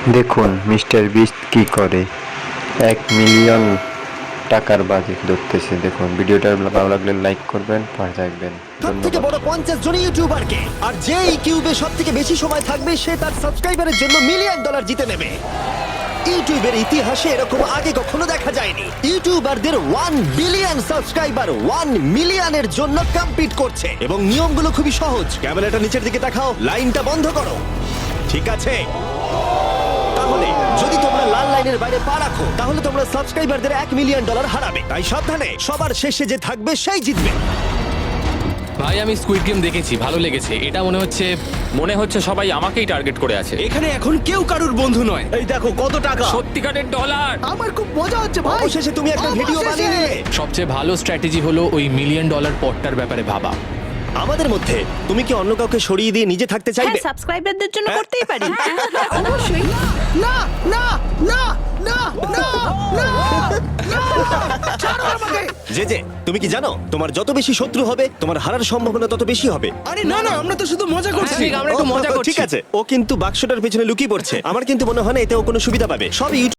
দেখুন mister beast কি করে। 1 মিলিয়ন টাকার বাজি ধরতেছে। দেখুন ভিডিওটা ভালো লাগলে লাইক করবেন, পাশে থাকবেন। সব থেকে বড় 50 জন ইউটিউবারকে, আর যে এই কিউবে সব থেকে বেশি সময় থাকবে সে তার সাবস্ক্রাইবারের জন্য $1 মিলিয়ন জিতে নেবে। ইউটিউবের ইতিহাসে এরকম আগে কখনো দেখা যায়নি। ইউটিউবারদের 1 বিলিয়ন সাবস্ক্রাইবার 1 মিলিয়নের জন্য কম্পিট করছে, এবং নিয়মগুলো খুবই সহজ। ক্যামেরাটা নিচের দিকে দেখাও, লাইনটা বন্ধ করো। ঠিক আছে, তাহলে যদি তোমরা লাল লাইনের বাইরে পা রাখো তাহলে তোমরা সাবস্ক্রাইবারদের $1 মিলিয়ন হারাবে। তাই সাবধানে, সবার শেষে যে থাকবে সেই জিতবে। ভাই আমি স্কুইড গেম দেখেছি, ভালো লেগেছে। এটা মনে হচ্ছে সবাই আমাকেই টার্গেট করে আছে। এখানে এখন কেউ কারুর বন্ধু নয়। এই দেখো কত টাকা। সত্যিকারের ডলার। আমার খুব মজা হচ্ছে ভাই। অবশেষে তুমি একটা ভিডিও বানিয়ে নিলে। সবচেয়ে ভালো স্ট্র্যাটেজি হলো ওই $1 মিলিয়ন পটটার ব্যাপারে ভাবা। আমাদের মধ্যে তুমি কি অন্য কাউকে সরিয়ে দিয়ে নিজে থাকতে চাইবে? হ্যাঁ, সাবস্ক্রাইবারদের জন্য করতেই পারি। অবশ্যই। না না না না না না না, ছাড়ো আমাকে। যে তুমি কি জানো তোমার যত বেশি শত্রু হবে তোমার হারার সম্ভাবনা তত বেশি হবে। আরে না না, আমরা তো শুধু মজা করছি। ঠিক, আমরা একটু মজা করছি। ঠিক আছে, ও কিন্তু বাক্সটার পেছনে লুকিয়ে পড়ছে। আমার কিন্তু মনে হয় না এতে ও কোনো সুবিধা পাবে। সব